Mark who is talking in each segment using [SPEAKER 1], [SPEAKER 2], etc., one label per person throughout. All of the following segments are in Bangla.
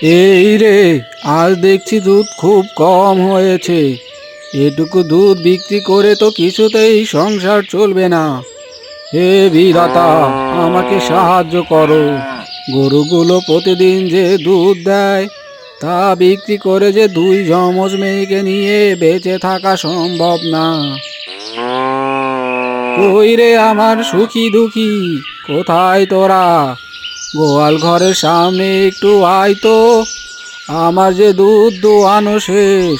[SPEAKER 1] এই রে, আজ দেখছি দুধ খুব কম হয়েছে। এটুকু দুধ বিক্রি করে তো কিছুতেই সংসার চলবে না। হে বিধাতা, আমাকে সাহায্য করো। গরুগুলো প্রতিদিন যে দুধ দেয় তা বিক্রি করে যে দুই যমজ মেয়েকে নিয়ে বেঁচে থাকা সম্ভব না। কই রে আমার সুখী দুঃখী, কোথায় তোরা? গোয়াল ঘরের সামনে একটু আয় তো, আমার যে দুধ দোয়ানো শেষ।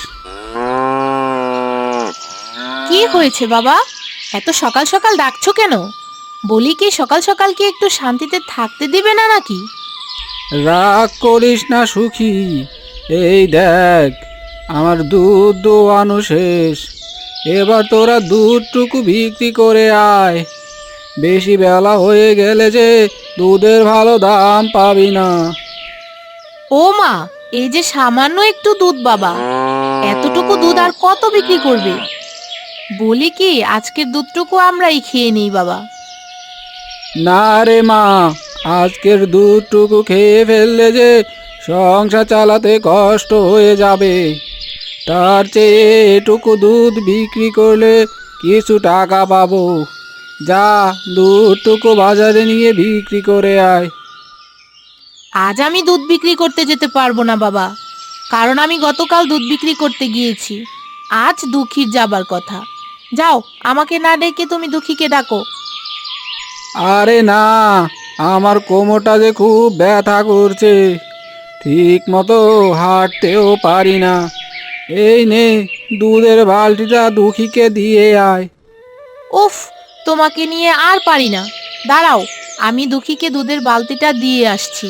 [SPEAKER 2] কি হয়েছে বাবা? এত সকাল সকাল ডাকছো কেন? বলি কি সকাল সকাল কি একটু শান্তিতে থাকতে দিবে না নাকি?
[SPEAKER 1] রাগ করিস না সুখী, এই দেখ আমার দুধ দোয়ানো শেষ। এবার তোরা দুধটুকু বিক্রি করে আয়। বেশি বেলা হয়ে গেলে যে দুধের ভালো দাম পাবি না।
[SPEAKER 2] ও মা, এই যে সামান্য একটু দুধ বাবা, এতটুকু দুধ আর কত বিক্রি করবে? বলি কি আজকের দুধটুকু আমরাই খেয়ে নিই বাবা।
[SPEAKER 1] না রে মা, আজকের দুধটুকু খেয়ে ফেললে যে সংসার চালাতে কষ্ট হয়ে যাবে। তার চেয়ে এটুকু দুধ বিক্রি করলে কিছু টাকা পাবো। যা, দুধটুকু বাজারে নিয়ে বিক্রি করে আয়।
[SPEAKER 2] আজ আমি দুধ বিক্রি করতে যেতে পারবো না বাবা, কারণ আমি গতকাল দুধ বিক্রি করতে গিয়েছি। আজ দুঃখীর যাবার কথা। যাও, আমাকে না ডেকে তুমি দুঃখীকে ডাকো।
[SPEAKER 1] আরে না, আমার কোমরটা যে খুব ব্যথা করছে, ঠিক মতো হাঁটতেও পারি না। এই নে, দুধের বালতিটা দুঃখীকে দিয়ে আয়।
[SPEAKER 2] উফ, তোমাকে নিয়ে আর পারি না। দাঁড়াও, আমি দুঃখীকে দুধের বালতিটা দিয়ে আসছি।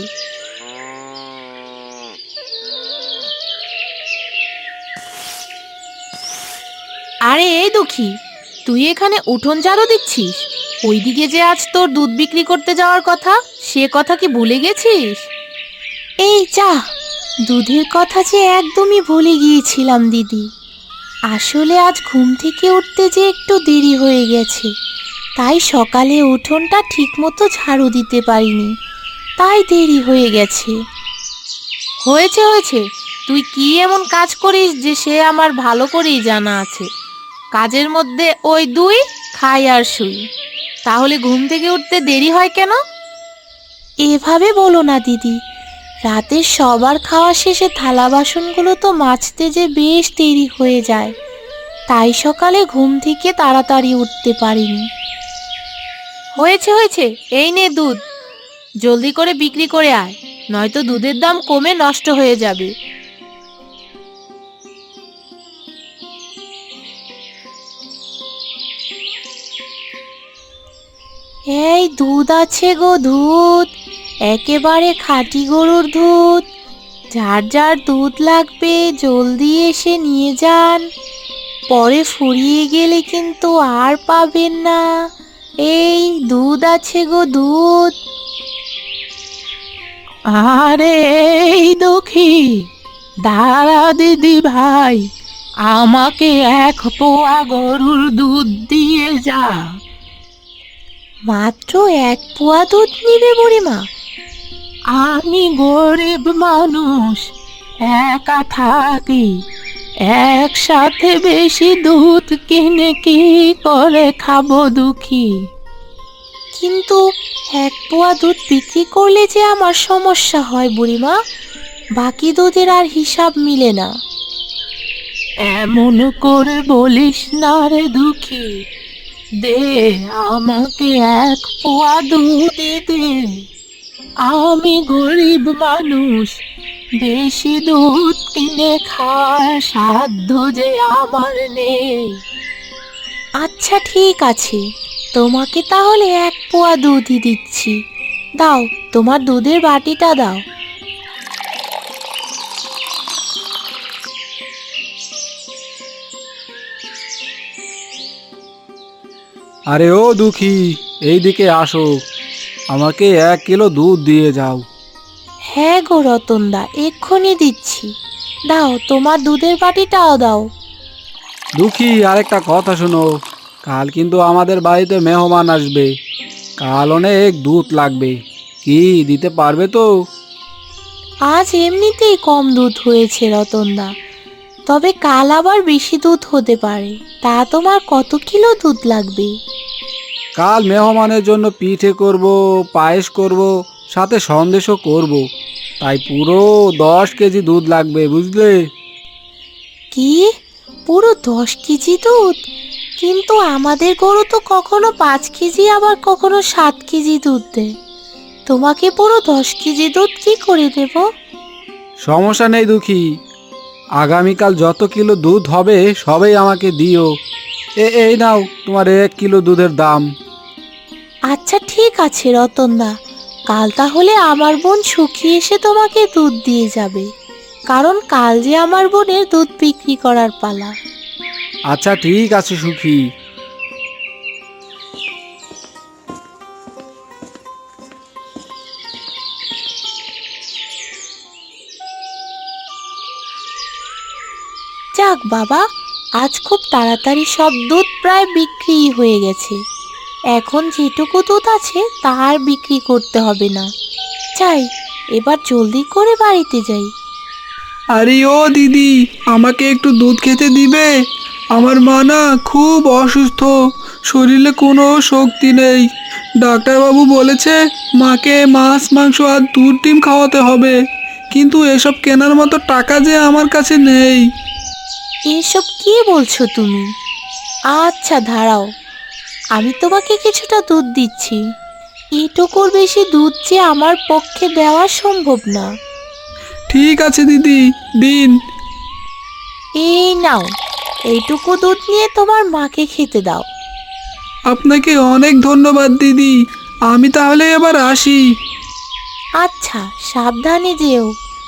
[SPEAKER 2] আরে এই দুঃখী, তুই এখানে উঠোন ঝাড়ু দিচ্ছিস? ওইদিকে যে আজ তোর দুধ বিক্রি করতে যাওয়ার কথা, সে কথা কি ভুলে গেছিস? এই যা, দুধের কথা যে একদমই ভুলে গিয়েছিলাম দিদি। আসলে আজ ঘুম থেকে উঠতে যে একটু দেরি হয়ে গেছে, তাই সকালে উঠোনটা ঠিকমতো ঝাড়ু দিতে পারিনি, তাই দেরি হয়ে গেছে। হয়েছে হয়েছে, তুই কি এমন কাজ করিস যে সে আমার ভালো করেই জানা আছে। কাজের মধ্যে ওই দুই, খাই আর শুই, তাহলে ঘুম থেকে উঠতে দেরি হয় কেন? এভাবে বলো না দিদি, রাতের সবার খাওয়া শেষে থালা বাসনগুলো তো মাজতে যে বেশ দেরি হয়ে যায়, তাই সকালে ঘুম থেকে তাড়াতাড়ি উঠতে পারিনি। হয়েছে হয়েছে, এই নে দুধ, জলদি করে বিক্রি করে আয়, নয়তো দুধের দাম কমে নষ্ট হয়ে যাবে। এই দুধ আছে গো দুধ, একেবারে খাঁটি গরুর দুধ। যার যার দুধ লাগবে জলদি এসে নিয়ে যান, পরে ফুরিয়ে গেলে কিন্তু আর পাবেন না। এই দুধ আছে গো দুধ।
[SPEAKER 3] আরে এই দুঃখী, দাঁড়া দিদি ভাই, আমাকে 1 পোয়া গরুর দুধ দিয়ে যা।
[SPEAKER 2] মাত্র 1 পোয়া দুধ নিবে বুড়িমা?
[SPEAKER 3] আমি গরিব মানুষ, একা থাকি, একসাথে বেশি দুধ কিনে কি করে খাবো দুঃখী?
[SPEAKER 2] কিন্তু 1 পোয়া দুধ বিক্রি করলে যে আমার সমস্যা হয় বুড়িমা, বাকি দুধের আর হিসাব মিলে না।
[SPEAKER 3] এমন করে বলিস না রে দুঃখী, দে আমাকে 1 পোয়া দুধ দে। আমি গরিব মানুষ, বেশি দুধ কিনে খাওয়ার সাধ্য যে আমার নেই।
[SPEAKER 2] আচ্ছা ঠিক আছে, তোমাকে তাহলে 1 পোয়া দুধই দিচ্ছি। দাও, তোমার দুধের বাটিটা দাও।
[SPEAKER 1] আরে ও দুঃখী, এইদিকে আসো, আমাকে 1 কিলো দুধ দিয়ে যাও।
[SPEAKER 2] হ্যাঁ গো রতনদা, এক্ষুনি দিচ্ছি। দাও, তোমার দুধের বাটিটাও দাও।
[SPEAKER 1] দুঃখী, আরেকটা কথা শোনো, কাল কিন্তু আমাদের বাড়িতে মেহমান আসবে। কাল অনেক দুধ লাগবে, কি দিতে পারবে তো?
[SPEAKER 2] আজ এমনিতেই কম দুধ হয়েছে রতনদা, তবে কাল আবার বেশি দুধ হতে পারে। তা তোমার কত কিলো দুধ লাগবে?
[SPEAKER 1] কাল মেহমানের জন্য পিঠে করব, পায়েস করব, সাথে সন্দেশও করব, তাই পুরো 10 কেজি দুধ লাগবে, বুঝলে?
[SPEAKER 2] কি, পুরো 10 কেজি দুধ? কিন্তু আমাদের গরু তো কখনো 5 কেজি আবার কখনো 7 কেজি দুধ দেয়। তোমাকে পুরো 10 কেজি দুধ কি করে দেব?
[SPEAKER 1] সমস্যা নেই দুঃখী, আগামীকাল যত কিলো দুধ হবে সবই আমাকে দিও। এই নাও তোমার 1 কিলো দুধের দাম।
[SPEAKER 2] আচ্ছা ঠিক আছে রতনদা, কাল তাহলে আমার বোন সুখী এসে তোমাকে দুধ দিয়ে যাবে, কারণ কাল যে আমার বোনের দুধ বিক্রি করার পালা।
[SPEAKER 1] আচ্ছা ঠিক আছে সুখী।
[SPEAKER 2] যাক বাবা, আজ খুব তাড়াতাড়ি সব দুধ প্রায় বিক্রি হয়ে গেছে। এখন যেটুকু দুধ আছে তা আর বিক্রি করতে হবে না। যাই, এবার জলদি করে বাড়িতে যাই।
[SPEAKER 4] আরে ও দিদি, আমাকে একটু দুধ খেতে দিবে? আমার মা না খুব অসুস্থ, শরীরে কোনো শক্তি নেই। ডাক্তারবাবু বলেছে মাকে মাছ মাংস আর দুধ ডিম খাওয়াতে হবে, কিন্তু এসব কেনার মতো টাকা যে আমার কাছে নেই।
[SPEAKER 2] এসব কি বলছো তুমি? আচ্ছা দাঁড়াও, আমি তোমাকে কিছুটা দুধ দিচ্ছি। এটুকুর বেশি দুধ যে আমার পক্ষে দেওয়া সম্ভব না।
[SPEAKER 4] ঠিক আছে দিদি, দিন।
[SPEAKER 2] এই নাও, এইটুকু দুধ নিয়ে তোমার মাকে খেতে দাও।
[SPEAKER 4] আপনাকে অনেক ধন্যবাদ দিদি, আমি তাহলে এবার আসি।
[SPEAKER 2] আচ্ছা, সাবধানে যেও।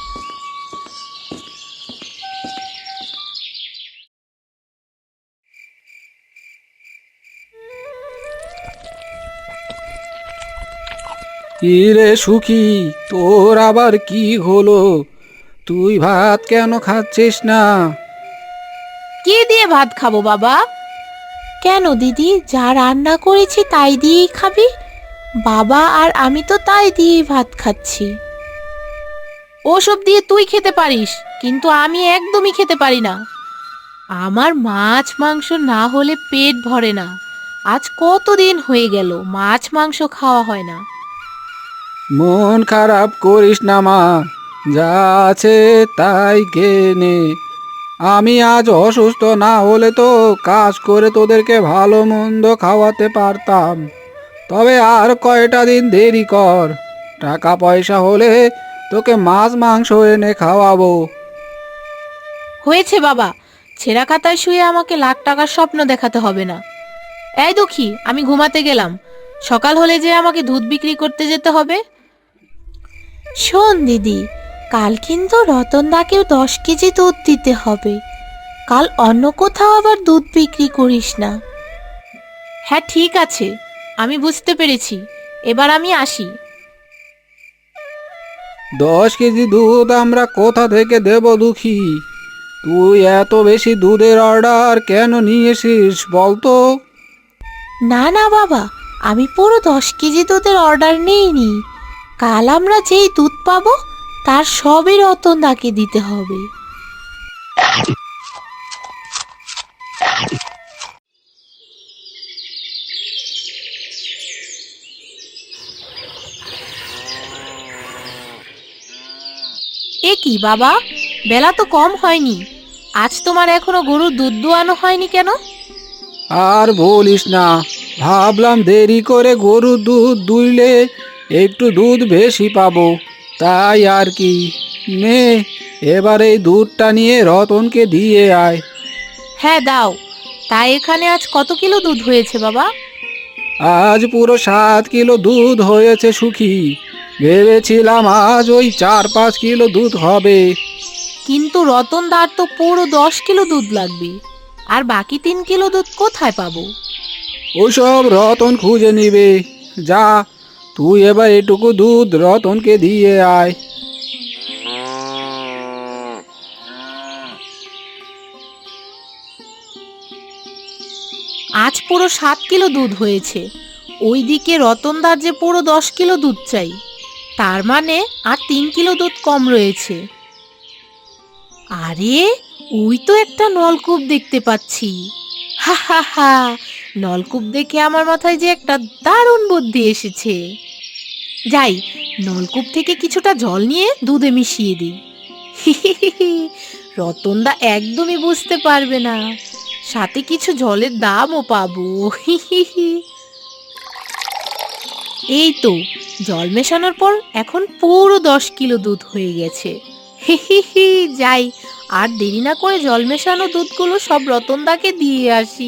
[SPEAKER 1] কি রে সুখী, তোর আবার কি হলো? তুই ভাত কেন খাচ্ছিস না?
[SPEAKER 2] কি দিয়ে ভাত খাবো বাবা? কেন দিদি, যা রান্না করেছি তাই দিয়েই খাবি? বাবা আর আমি তো তাই দিয়েই ভাত খাচ্ছি। ওসব দিয়ে তুই খেতে পারিস, কিন্তু আমি একদমই খেতে পারি না। আমার মাছ মাংস না হলে পেট ভরে না। আজ কতদিন হয়ে গেল মাছ মাংস খাওয়া হয় না।
[SPEAKER 1] মন খারাপ করিস না মা, যা আছে তাই খেয়ে নে। আমি আজ অসুস্থ না হলে তো কাজ করে তোদেরকে ভালো মন্দ খাওয়াতে পারতাম। তবে আর কয়টা দিন দেরি কর, টাকা পয়সা হলে তোকে মাছ মাংস এনে খাওয়াবো।
[SPEAKER 2] হয়েছে বাবা, ছেঁড়া খাতায় শুয়ে আমাকে লাখ টাকার স্বপ্ন দেখাতে হবে না। এই দুঃখী, আমি ঘুমাতে গেলাম। সকাল হলে যে আমাকে দুধ বিক্রি করতে যেতে হবে। শোন দিদি, কাল কিন্তু রতনদাকেও 10 কেজি দুধ দিতে হবে। কাল অন্য কোথাও আবার দুধ বিক্রি করিস না। হ্যাঁ ঠিক আছে, আমি বুঝতে পেরেছি। এবার আমি আসি।
[SPEAKER 1] 10 কেজি দুধ আমরা কোথা থেকে দেব দুঃখী? তুই এত বেশি দুধের অর্ডার কেন নিয়েছিস বলতো?
[SPEAKER 2] না না বাবা, আমি পুরো 10 কেজি দুধের অর্ডার নিইনি। কাল আমরা যেই দুধ পাবো তার সবই রতনদাকে দিতে হবে। এ কি বাবা, বেলা তো কম হয়নি, আজ তোমার এখনো গরুর দুধ দোয়ানো হয়নি কেন?
[SPEAKER 1] আর বলিস না, ভাবলাম দেরি করে গরুর দুধ দুইলে একটু দুধ বেশি পাবো, তাই আর কি। নে, এবার এই দুধটা নিয়ে রতনকে দিয়ে আয়।
[SPEAKER 2] হ্যাঁ দাও। তাই এখানে আজ কত কিলো দুধ হয়েছে বাবা?
[SPEAKER 1] আজ পুরো 7 কিলো দুধ হয়েছে সুখী। ভেবেছিলাম আজ ওই 4-5 কিলো দুধ হবে।
[SPEAKER 2] কিন্তু রতনদার তো পুরো 10 কিলো দুধ লাগবে, আর বাকি 3 কিলো দুধ কোথায় পাবো?
[SPEAKER 1] ওসব রতন খুঁজে নিবে। যা, তুই এবার এটুকু দুধ রতনকে দিয়ে আয়।
[SPEAKER 2] আজ পুরো 7 কিলো দুধ হয়েছে, ওইদিকে রতনদার যে পুরো 10 কিলো দুধ চাই। তার মানে আর 3 কিলো দুধ কম রয়েছে। আরে ওই তো একটা নলকূপ দেখতে পাচ্ছি। হা হা হা, নলকূপ দেখে আমার মাথায় যে একটা দারুণ বুদ্ধি এসেছে। যাই, নলকূপ থেকে কিছুটা জল নিয়ে দুধে মিশিয়ে দিই। রতনদা একদমই বুঝতে পারবে না, সাথে কিছু জলের দামও পাবো। এই তো, জল মেশানোর পর এখন পুরো 10 কিলো দুধ হয়ে গেছে। যাই, আর দেরি না করে জল মেশানো দুধগুলো সব রতনদাকে দিয়ে আসি।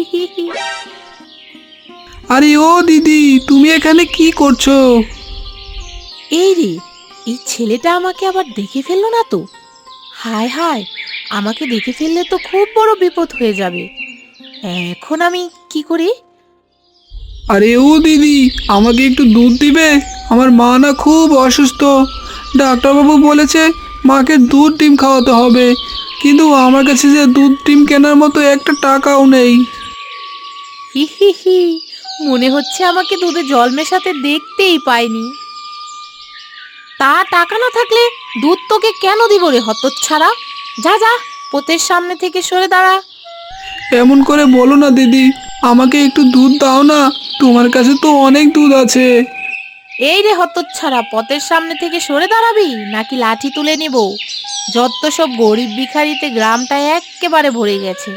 [SPEAKER 4] আরে ও দিদি, তুমি এখানে কি করছো?
[SPEAKER 2] এই রে, এই ছেলেটা আমাকে আবার দেখে ফেললো না তো? হায় হায়, আমাকে দেখে ফেললে তো খুব বড় বিপদ হয়ে যাবে। এখন আমি কি করি?
[SPEAKER 4] আরে ও দিদি, আমাকে একটু দুধ দিবে? আমার মা না খুব অসুস্থ। ডাক্তারবাবু বলেছে মাকে দুধ ডিম খাওয়াতে হবে, কিন্তু আমার কাছে যে দুধ ডিম কেনার মতো একটা টাকাও নেই।
[SPEAKER 2] হি হি হি, মনে হচ্ছে আমাকে দুধে জল মেশাতে দেখতেই পাইনি। তা টাকা না থাকলে দুধ তোকে কেন দিব রে হতচ্ছাড়া? যা যা, পোতের সামনে থেকে সরে দাঁড়া।
[SPEAKER 4] এমন করে বলো না দিদি, আমাকে একটু দুধ দাও না, তোমার কাছে তো অনেক দুধ আছে।
[SPEAKER 2] এই রে হতচ্ছাড়া, পথের সামনে থেকে সরে দাঁড়াবি নাকি লাঠি তুলে নিব? যত সব গরিব ভিখারিতে গ্রামটা এক্কেবারে ভরে গেছে।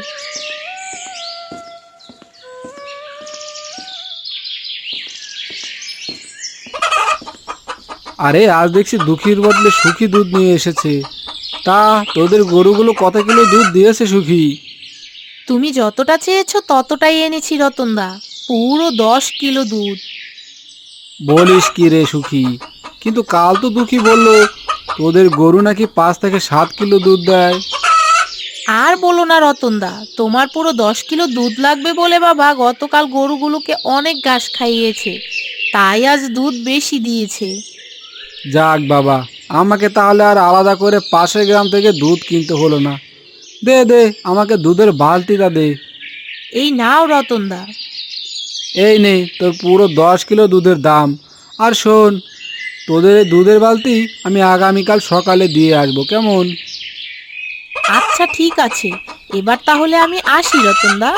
[SPEAKER 1] আরে আজ দেখছি দুঃখীর বদলে সুখী দুধ নিয়ে এসেছে। তা তোদের গরুগুলো কত কিলো দুধ দিয়েছে সুখী?
[SPEAKER 2] তুমি যতটা চেয়েছো ততটাই এনেছি রতনদা, পুরো 10 কিলো দুধ।
[SPEAKER 1] বলিস কি রে সুখী? কিন্তু কাল তো দুঃখী বললো তোদের গরু নাকি 5 থেকে 7 কিলো দুধ দেয়।
[SPEAKER 2] আর বলো না রতনদা, তোমার পুরো 10 কিলো দুধ লাগবে বলে বাবা গতকাল গরুগুলোকে অনেক ঘাস খাইয়েছে, তাই আজ দুধ বেশি দিয়েছে।
[SPEAKER 1] যাক বাবা, আমাকে তাহলে আর আলাদা করে পাশের গ্রাম থেকে দুধ কিনতে হলো না। দে দে, আমাকে দুধের বালতিটা দে।
[SPEAKER 2] এই নাও রতনদা।
[SPEAKER 1] এই নে তোর পুরো 10 কিলো দুধের দাম। আর শোন, তোদের এই দুধের বালতি আমি আগামীকাল সকালে দিয়ে আসবো, কেমন?
[SPEAKER 2] আচ্ছা ঠিক আছে, এবার তাহলে আমি আসি রতনদা।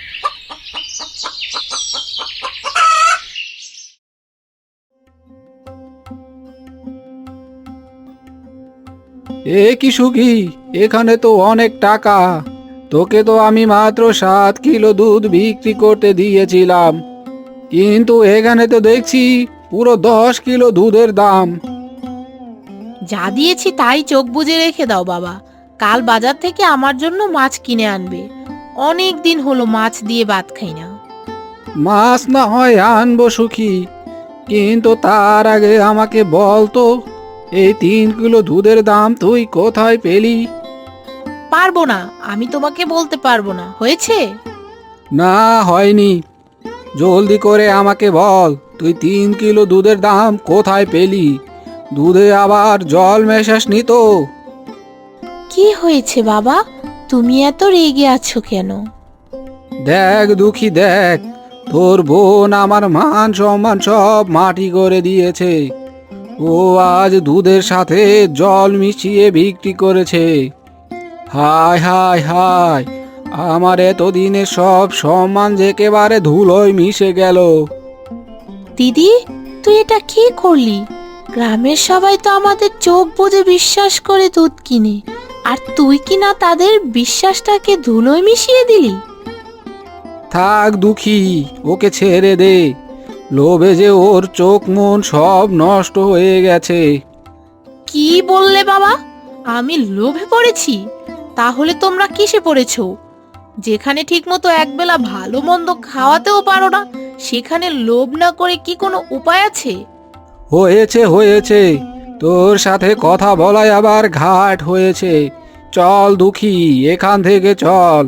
[SPEAKER 1] এ কি সুখী, এখানে তো অনেক টাকা। তোকে তো আমি মাত্র 7 কিলো দুধ বিক্রি করতে দিয়েছিলাম, কিন্তু এখানে তো দেখছি পুরো 10 কিলো দুধের দাম।
[SPEAKER 2] যা দিয়েছি তাই চোখ বুজে রেখে দাও বাবা, কাল বাজার থেকে আমার জন্য মাছ কিনে আনবে। অনেক দিন হলো মাছ দিয়ে ভাত খাই না।
[SPEAKER 1] মাছ না হয় আনবো সুখী, কিন্তু তার আগে আমাকে বল তো, এই 3 কিলো দুধের দাম তুই কোথায় পেলি?
[SPEAKER 2] পারবো না, আমি তোমাকে বলতে পারবো না, হয়েছে?
[SPEAKER 1] না হয়নি, জলদি করে আমাকে বল, তুই 3 কিলো দুধের দাম কোথায় পেলি? দুধে আবার জল মেশাসনি তো?
[SPEAKER 2] কি হয়েছে বাবা, তুমি এত রেগে আছো কেন?
[SPEAKER 1] দেখ দুঃখী দেখ, তোর বোন আমার মান সম্মান সব মাটি করে দিয়েছে। ও আজ দুধের সাথে জল মিশিয়ে বিক্রি করেছে। হায় হায় হায়, আমার এতদিনের সব সম্মান যে একেবারে ধুলোয় মিশে গেল।
[SPEAKER 2] দিদি, তুই এটা কি করলি? গ্রামের সবাই তো আমাদের চোখ বুজে বিশ্বাস করে দুধ কিনে, আর তুই কি না তাদের বিশ্বাসটাকে ধুলোয় মিশিয়ে দিলি?
[SPEAKER 1] থাক দুঃখী, ওকে ছেড়ে দে। লোভে যে ওর চোখ মন সব নষ্ট হয়ে গেছে।
[SPEAKER 2] কি বললে বাবা? আমি লোভে পড়েছি? তাহলে তোমরা কিসে পড়েছো? যেখানে ঠিকমতো একবেলা ভালো মন্দ খাওয়াতেও পারো না, সেখানে লোভ না করে কি কোনো উপায় আছে?
[SPEAKER 1] হয়েছে হয়েছে, তোর সাথে কথা বলাই আবার ঘাট হয়েছে। চল দুঃখী, এখান থেকে চল।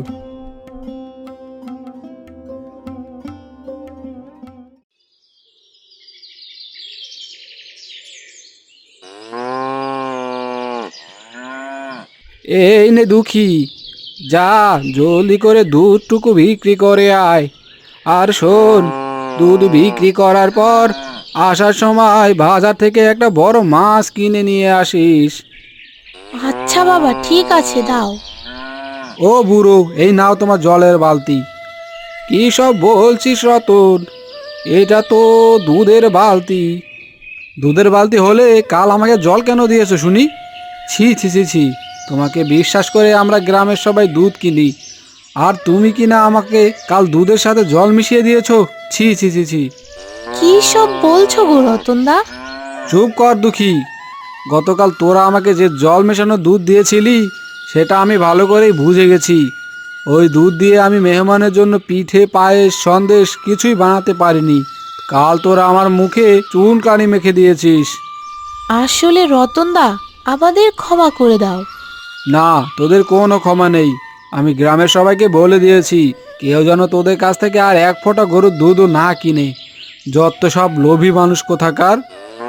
[SPEAKER 1] এই নে দুঃখী, যা জলদি করে দুধটুকু বিক্রি করে আয়। আর শোন, দুধ বিক্রি করার পর আসার সময় বাজার থেকে একটা বড় মাছ কিনে নিয়ে আসিস।
[SPEAKER 2] আচ্ছা বাবা, ঠিক আছে, দাও।
[SPEAKER 1] ও বুড়ো, এই নাও তোমার জলের বালতি। কি সব বলছিস রতন, এটা তো দুধের বালতি। দুধের বালতি হলে কাল আমাকে জল কেন দিয়েছো শুনি? ছি ছি ছি ছি, তোমাকে বিশ্বাস করে আমরা গ্রামের সবাই দুধ কিনি, আর তুমি কিনা আমাকে কাল দুধের সাথে জল মিশিয়ে দিয়েছো। ছি ছি ছি ছি।
[SPEAKER 2] কি সব বলছো গো রতনদা?
[SPEAKER 1] চুপ কর দুঃখী। গতকাল তোরা আমাকে যে জল মেশানো দুধ দিয়েছিলি সেটা আমি ভালো করেই বুঝে গেছি। ওই দুধ দিয়ে আমি মেহমানের জন্য পিঠে, পায়েস, সন্দেশ কিছুই বানাতে পারিনি। কাল তোরা আমার মুখে চুন কালি মেখে দিয়েছিস।
[SPEAKER 2] আসলে রতনদা, আমাদের ক্ষমা করে দাও।
[SPEAKER 1] না, তোদের কোনো ক্ষমা নেই। আমি গ্রামের সবাইকে বলে দিয়েছি কেউ যেন তোদের কাছ থেকে আর এক ফোঁটা গরুর দুধও না কিনে। যত সব লোভী মানুষ কোথাকার।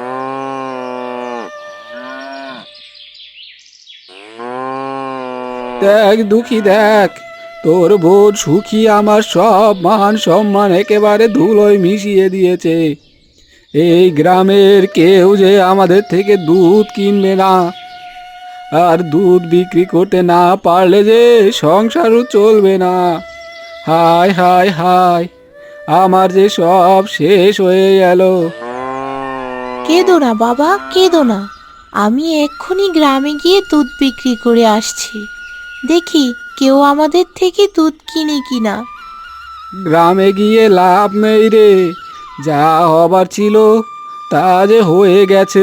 [SPEAKER 1] দেখ দুঃখী, দেখ তোর বোন সুখী আমার সব মান সম্মান একেবারে ধুলোয় মিশিয়ে দিয়েছে। এই গ্রামের কেউ যে আমাদের থেকে দুধ কিনবে না, আর দুধ বিক্রি করতে না পারলে যে সংসারও চলবে না। হায় হায় হায়, আমার যে সব শেষ হয়ে গেল।
[SPEAKER 2] কেঁদো না বাবা, কেঁদো না। আমি এক্ষুনি গ্রামে গিয়ে দুধ বিক্রি করে আসছি। দেখি কেউ আমাদের থেকে দুধ কিনে কিনা।
[SPEAKER 1] গ্রামে গিয়ে লাভ নেই রে, যা হবার ছিল তা যে হয়ে গেছে।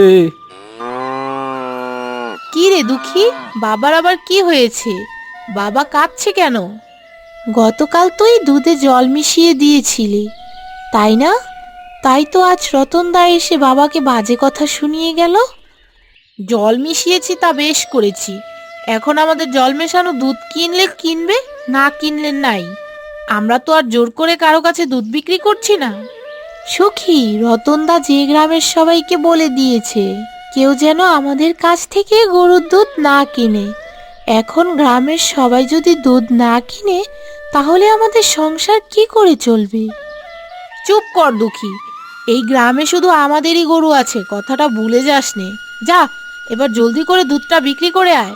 [SPEAKER 2] কি রে দুঃখী, বাবার আবার কি হয়েছে? বাবা কাঁদছে কেন? গতকাল তুই দুধে জল মিশিয়ে দিয়েছিলি, তাই না? তাই তো আজ রতনদা এসে বাবাকে বাজে কথা শুনিয়ে গেল। জল মিশিয়েছি তা বেশ করেছি। এখন আমাদের জল মেশানো দুধ কিনলে কিনবে, না কিনলে নাই। আমরা তো আর জোর করে কারো কাছে দুধ বিক্রি করছি না। সখী, রতনদা যে গ্রামের সবাইকে বলে দিয়েছে কেউ যেন আমাদের কাছ থেকে গরুর দুধ না কিনে। এখন গ্রামের সবাই যদি দুধ না কিনে, তাহলে আমাদের সংসার কি করে চলবে? চুপ কর দুঃখী, এই গ্রামে শুধু আমাদেরই গরু আছে, কথাটা ভুলে যাস নে। যা, এবার জলদি করে দুধটা বিক্রি করে আয়।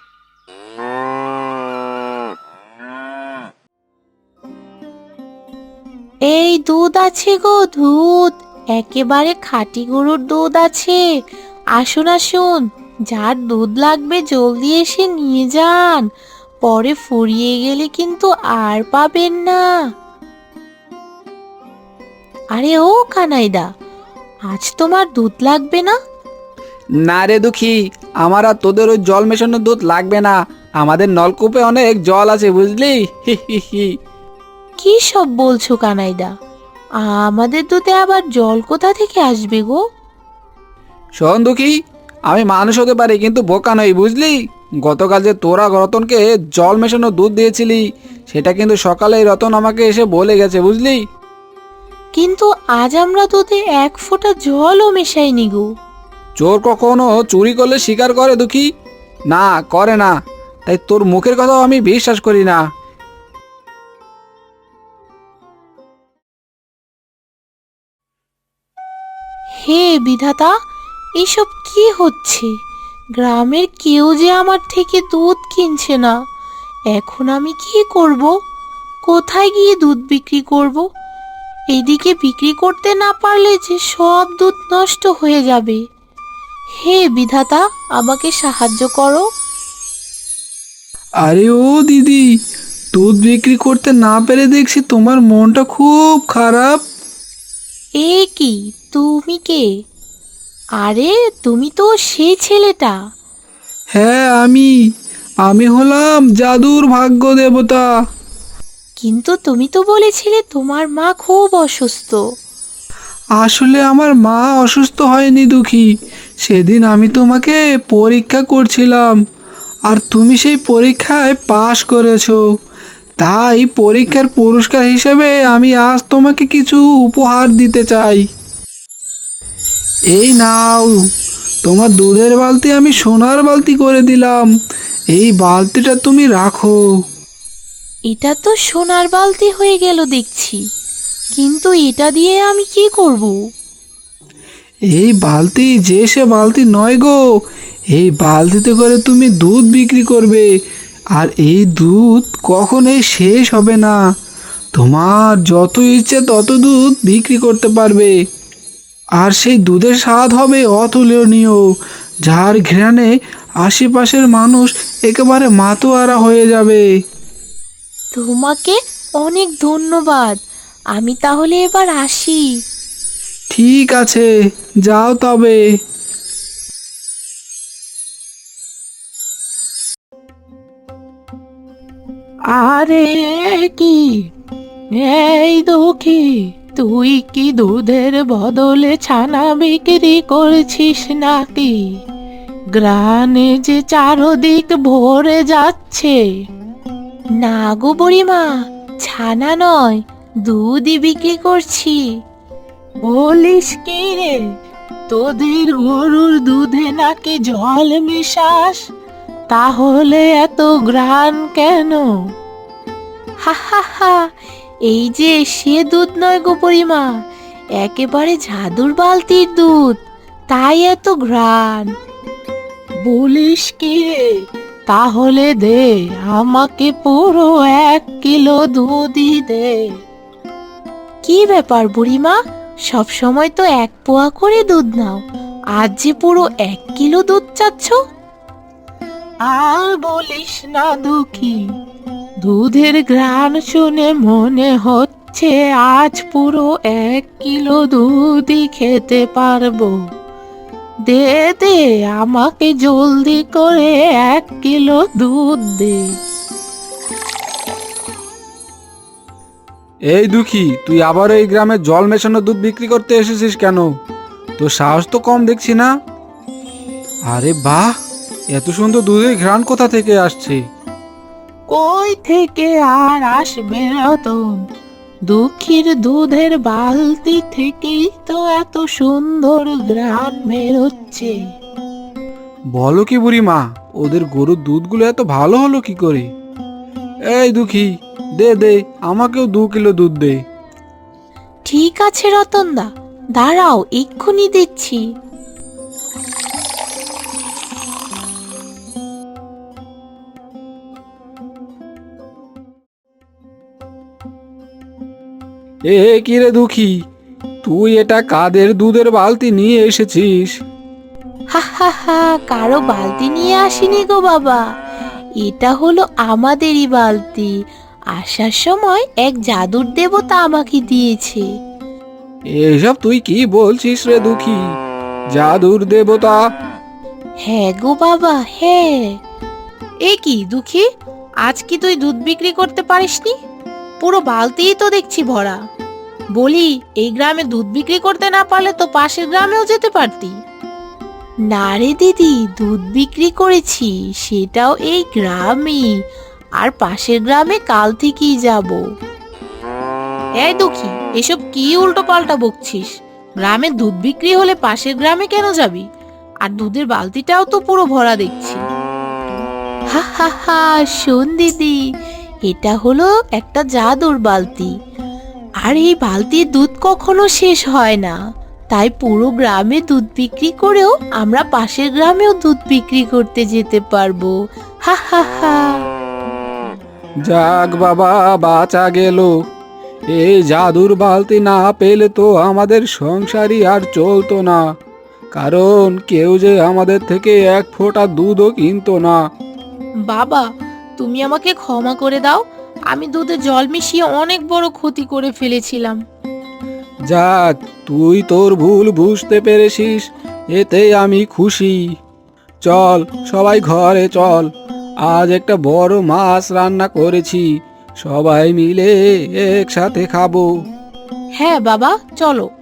[SPEAKER 2] এই দুধ আছে গো, দুধ, একেবারে খাঁটি গরুর দুধ আছে। আসুন আসুন, যার দুধ লাগবে জলদি এসে নিয়ে যান, পরে ফুরিয়ে গেলে কিন্তু আর পাবেন না। আরে ও কানাইদা, আজ তোমার দুধ লাগবে না?
[SPEAKER 1] না রে দুঃখী, আমার আর তোদের ওই জল মেশানো দুধ লাগবে না। আমাদের নলকূপে অনেক জল আছে, বুঝলি। হি হি হি।
[SPEAKER 2] কি সব বলছো কানাইদা? আমাদের দুধে আবার জল কোথা থেকে আসবে গো?
[SPEAKER 1] শোন দুঃখী, আমি মানুষ হতে পারি কিন্তু বোকা নই, বুঝলি। গতকাল যে তোরা রতনকে জল মেশানো দুধ দিয়েছিলি সেটা কিন্তু সকালেই রতন আমাকে এসে বলে গেছে, বুঝলি।
[SPEAKER 2] কিন্তু আজ আমরা দুধে এক ফোঁটা জলও মেশাইনি গো।
[SPEAKER 1] চোর কখনো চুরি করলে স্বীকার করে দুঃখী? না, করে না। তাই তোর মুখের কথাও আমি বিশ্বাস করি না।
[SPEAKER 2] হে বিধাতা, এসব কি হচ্ছে? গ্রামের কেউ যে আমার থেকে দুধ কিনছে না। এখন আমি কি করব? কোথায় গিয়ে দুধ বিক্রি করব? এদিকে বিক্রি করতে না পারলে যে সব দুধ নষ্ট হয়ে যাবে। হে বিধাতা, আমাকে সাহায্য করো।
[SPEAKER 4] আরে ও দিদি, দুধ বিক্রি করতে না পেরে দেখছি তোমার মনটা খুব খারাপ।
[SPEAKER 2] এ কি, তুমি কে? আরে তুমি তো সেই ছেলেটা।
[SPEAKER 4] হ্যাঁ, আমি হলাম জাদুর ভাগ্য দেবতা।
[SPEAKER 2] কিন্তু তুমি তো বলেছিলে তোমার মা খুব অসুস্থ।
[SPEAKER 4] আসলে আমার মা অসুস্থ হয়নি দুঃখী, সেদিন আমি তোমাকে পরীক্ষা করছিলাম, আর তুমি সেই পরীক্ষায় পাশ করেছো। তাই পরীক্ষার পুরস্কার হিসেবে আমি আজ তোমাকে কিছু উপহার দিতে চাই। এই নাও, তোমার দুধের বালতি আমি সোনার বালতি করে দিলাম। এই বালতিটা তুমি রাখো।
[SPEAKER 2] এটা তো সোনার বালতি হয়ে গেল দেখছি, কিন্তু এটা দিয়ে আমি কি করব?
[SPEAKER 4] এই বালতি যে সে বালতি নয় গো, এই বালতিতে করে তুমি দুধ বিক্রি করবে, আর এই দুধ কখনোই শেষ হবে না। তোমার যত ইচ্ছে তত দুধ বিক্রি করতে পারবে, আর সেই দুধের স্বাদ হবে অতুলনীয়, যার ঘ্রাণে আশেপাশের মানুষ একেবারে মাতোয়ারা হয়ে যাবে।
[SPEAKER 2] তোমাকে অনেক ধন্যবাদ। আমি তাহলে এবার আসি।
[SPEAKER 4] ঠিক আছে, যাও তবে।
[SPEAKER 3] আরে কি, এই দুঃখী, তুই কি দুধের বদলে ছানা বিক্রি করছিস নাকি? গ্রানে যে চারদিক ভরে যাচ্ছে।
[SPEAKER 2] না গো বুড়িমা, ছানা নয়, দুধই বিক্রি করছি।
[SPEAKER 3] বলিস কি রে, তোদের গরুর দুধে নাকি জল মিশাস? তাহলে এত গ্রান কেন?
[SPEAKER 2] হা হা হা, এই যে সে দুধ নয় গো বুড়িমা, একেবারে জাদুর বালতির দুধ, তাই এত ঘ্রাণ।
[SPEAKER 3] বলিস কি রে, তাহলে দে, আমাকে পুরো 1 কিলো দুধই দে।
[SPEAKER 2] কি ব্যাপার বুড়িমা, সব সময় তো 1 পোয়া করে দুধ নাও, আজ যে পুরো 1 কিলো দুধ চাচ্ছ?
[SPEAKER 3] আর বলিস না দুঃখী, দুধের ঘ্রাণ শুনে মনে হচ্ছে আজ পুরো 1 কিলো দুধই খেতে পারবো। দে দে, আমাকে জলদি করে 1 কিলো দুধ দে।
[SPEAKER 1] এই দুঃখী, তুই আবার এই গ্রামে জল মেশানো দুধ বিক্রি করতে এসেছিস কেন? তোর সাহস তো কম দেখছি না। আরে বাহ, এত সুন্দর দুধের ঘ্রাণ কোথা থেকে আসছে?
[SPEAKER 3] কই থেকে আর আসবে রতন, দুঃখীর দুধের বালতি থেকেই তো এত সুন্দর ঘ্রাণ বেরোচ্ছে।
[SPEAKER 1] বলো কি বুড়িমা, ওদের গরুর দুধগুলো এত ভালো হলো কি করে? এই দুঃখী, দে দে, আমাকেও 2 কিলো দুধ দে।
[SPEAKER 2] ঠিক আছে রতনদা, দাঁড়াও, এক্ষুনি দিচ্ছি।
[SPEAKER 1] এ কি রে দুঃখী, তুই এটা কাদের দুধের বালতি নিয়ে এসেছিস?
[SPEAKER 2] হা হা হা, কারো বালতি নিয়ে আসিনি গো বাবা, এটা হলো আমাদেরই বালতি। আসার সময় এক জাদুর দেবতা আমাকে দিয়েছে।
[SPEAKER 1] এসব তুই কি বলছিস রে দুঃখী? জাদুর দেবতা?
[SPEAKER 2] হ্যাঁ গো বাবা, হ্যাঁ। এ কি দুঃখী, আজ কি তুই দুধ বিক্রি করতে পারিসনি? পুরো বালতিই তো দেখছি ভরা। বলি, এই গ্রামে দুধ বিক্রি করতে না পারলে তো পাশের গ্রামেও যেতে পারতি। না রে দিদি, দুধ বিক্রি করেছি, সেটাও এই গ্রামে, আর পাশের গ্রামে কাল থেকেই যাব। এই দুঃখী, এসব কি উল্টো পাল্টা বকছিস? গ্রামে দুধ বিক্রি হলে পাশের গ্রামে কেন যাবি? আর দুধের বালতিটাও তো পুরো ভরা দেখছি। হা হা হা, শোন দিদি, এটা হলো একটা জাদুর বালতি, আর এই বালতির দুধ কখনো শেষ হয় না। তাই পুরো গ্রামে দুধ বিক্রি করেও আমরা পাশের গ্রামেও দুধ বিক্রি করতে যেতে পারবো। হা হা হা।
[SPEAKER 1] যাক বাবা, বাঁচা গেল। এই জাদুর বালতি না পেলে তো আমাদের সংসারই আর চলতো না, কারণ কেউ যে আমাদের থেকে 1 ফোঁটা দুধও কিনতো না।
[SPEAKER 2] বাবা, তুমি আমাকে ক্ষমা করে দাও, আমি দুধে জল মিশিয়ে অনেক বড় ক্ষতি করে ফেলেছিলাম।
[SPEAKER 1] যাক, তুই তোর ভুল বুঝতে পেরেছিস, এতেই আমি খুশি। চল সবাই ঘরে চল, আজ একটা বড় মাছ রান্না করেছি, সবাই মিলে একসাথে খাবো।
[SPEAKER 2] হ্যাঁ বাবা, চলো।